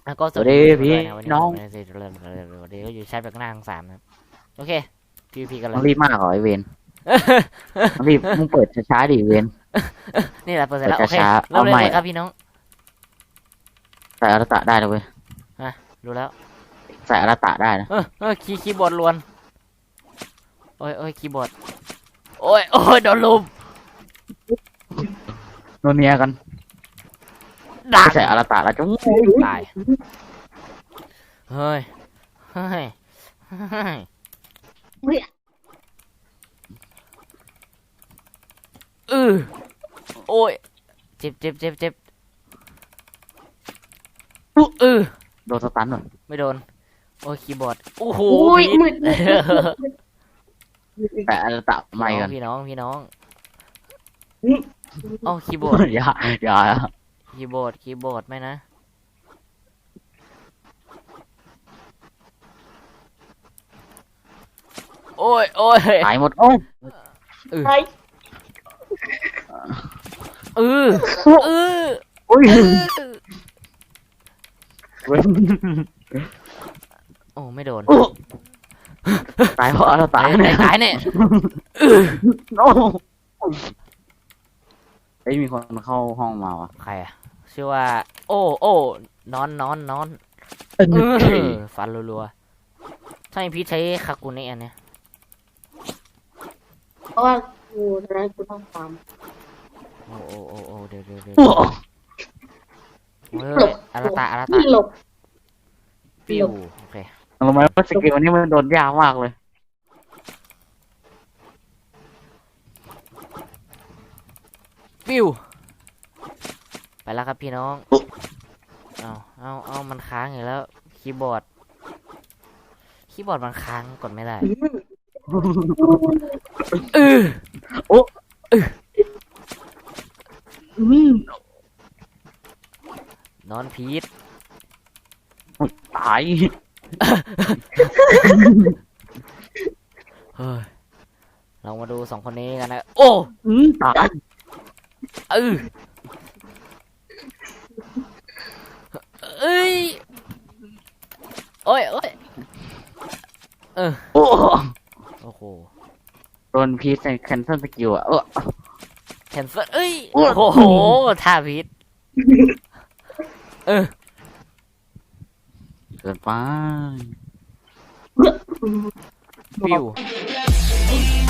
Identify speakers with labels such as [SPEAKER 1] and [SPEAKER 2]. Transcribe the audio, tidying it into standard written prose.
[SPEAKER 1] แล้วก็
[SPEAKER 2] สวัสดีพี่น้อง
[SPEAKER 1] วันนี้ก็อยู่ใช้แบบหน้าทั้งสามนะครับโอเคพีกันเล
[SPEAKER 2] ต้อย งรีบมากเหรอไอเวนต้องรีบมึงเปิดช้าๆดิเวน
[SPEAKER 1] นี่แหละเปิดเสร็จแล้วโอเค
[SPEAKER 2] ช้าๆ
[SPEAKER 1] เริ่ม
[SPEAKER 2] เอาใหม่
[SPEAKER 1] เลยครับพี่น้อง
[SPEAKER 2] ใส่อรตะได้นะเว้ย
[SPEAKER 1] ดูแล้ว
[SPEAKER 2] ใส่อรตะได้นะ
[SPEAKER 1] คีย์บอร์ดล้วนโอ้ยคีย์บอร์ดโอ้ยโดนลุม
[SPEAKER 2] โนเนียกัน
[SPEAKER 1] ด่า
[SPEAKER 2] ใส่อรตะแล้วจุ๊ง
[SPEAKER 1] ตายเฮ้ยโอ้ยเจ็บ
[SPEAKER 2] โดนสตันหน่อย
[SPEAKER 1] ไม่โดนโอ้ยคีย์บอร์ดโอ้โห
[SPEAKER 3] อุ้ย
[SPEAKER 1] พี
[SPEAKER 3] มืด
[SPEAKER 2] ใส่อรตะใหม่กัน
[SPEAKER 1] พี่น้องเอ้าคีย์บอร์ด
[SPEAKER 2] อย่า
[SPEAKER 1] คีย์บอร์ดไม่นะโอ้ย
[SPEAKER 2] ตายหมดโอ้
[SPEAKER 3] ไอ้
[SPEAKER 1] เออ
[SPEAKER 2] โอ้ยเว้ย
[SPEAKER 1] โอ้ไม่โดน
[SPEAKER 2] ตายเพราะอรตะ
[SPEAKER 1] ตายเนี่ย
[SPEAKER 2] โอ้เฮ้ยมีคนเข้าห้องมาวะ
[SPEAKER 1] ใครอะชื่อว่า โอ้นอนฟันรัวๆถ้ามีพี่ใช้คากุเนะอันเนี้ย
[SPEAKER 3] เพราะว่ากูจะได้กูต้องตาม
[SPEAKER 1] โอ้เดี๋ยว
[SPEAKER 2] โอ้
[SPEAKER 1] เฮ้ยอาราตะ
[SPEAKER 3] ที่หลบ
[SPEAKER 1] ปิวโอเค
[SPEAKER 2] รู้ไหมว่าสกิลนี้มันโดนยากมากเลย
[SPEAKER 1] ปิวไปแล้วครับพี่น้องเอามันค้างอยู่แล้วคีย์บอร์ดมันค้างกดไม่ได้นอนพีท
[SPEAKER 2] ตาย
[SPEAKER 1] เฮ้ยเรามาดูสองคนนี้กันนะโอ้
[SPEAKER 2] ตาย
[SPEAKER 1] เอ้ยโอ้ย
[SPEAKER 2] โอ้
[SPEAKER 1] โอ้โห
[SPEAKER 2] โดนพีชในแคนเซิลสกิลอ่ะ
[SPEAKER 1] แคนเซิลเอ้ยโอ้โหท่าพีท
[SPEAKER 2] เกินไป
[SPEAKER 1] ปิว